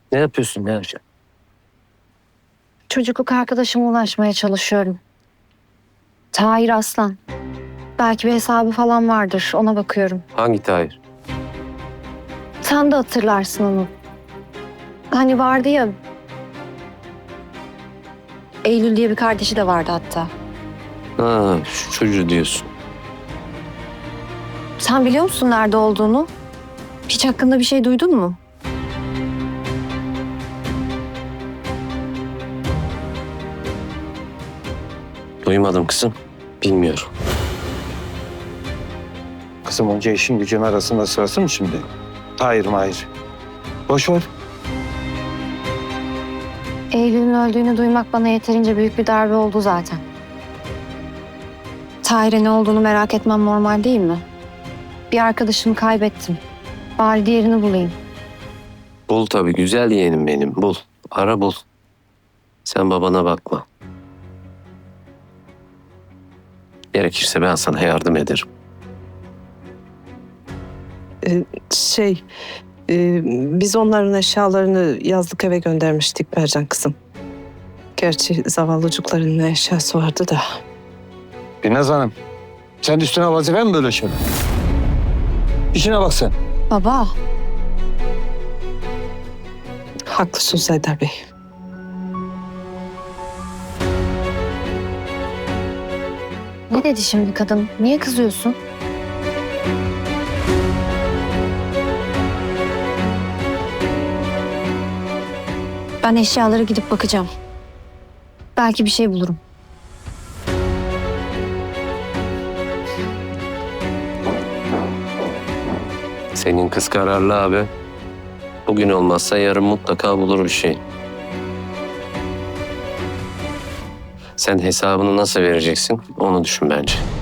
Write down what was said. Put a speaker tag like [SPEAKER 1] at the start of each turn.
[SPEAKER 1] Ne yapıyorsun Nevcan?
[SPEAKER 2] Çocukluk arkadaşıma ulaşmaya çalışıyorum. Tahir Aslan. Belki bir hesabı falan vardır. Ona bakıyorum.
[SPEAKER 1] Hangi Tahir?
[SPEAKER 2] Sen de hatırlarsın onu. Hani vardı ya. Eylül diye bir kardeşi de vardı hatta.
[SPEAKER 1] Ha, şu çocuğu diyorsun.
[SPEAKER 2] Sen biliyor musun nerede olduğunu? Hiç hakkında bir şey duydun mu?
[SPEAKER 1] Duymadım kızım. Bilmiyorum.
[SPEAKER 3] Kızım onca işin gücün arasında sırası mı şimdi? Hayır mahir. Boş ver.
[SPEAKER 2] Eylül'ün öldüğünü duymak bana yeterince büyük bir darbe oldu zaten. Tahir'e ne olduğunu merak etmem normal değil mi? Bir arkadaşımı kaybettim. Bari diğerini bulayım.
[SPEAKER 1] Bul tabii, güzel yeğenim benim. Bul. Ara bul. Sen babana bakma. Gerekirse ben sana yardım ederim.
[SPEAKER 4] Şey, biz onların eşyalarını yazlık eve göndermiştik Mercan kızım. Gerçi zavallıcıkların ne eşyası vardı da.
[SPEAKER 3] Binnaz Hanım. Sen üstüne vazife mi böyle şey? İşine bak sen.
[SPEAKER 2] Baba,
[SPEAKER 4] Haklısınız Haydar Bey.
[SPEAKER 2] ne dedi şimdi kadın? Niye kızıyorsun? Ben eşyalara gidip bakacağım. Belki bir şey bulurum.
[SPEAKER 1] Senin kız kararlı abi. Bugün olmazsa yarın mutlaka bulur bir şey. Sen hesabını nasıl vereceksin onu düşün bence.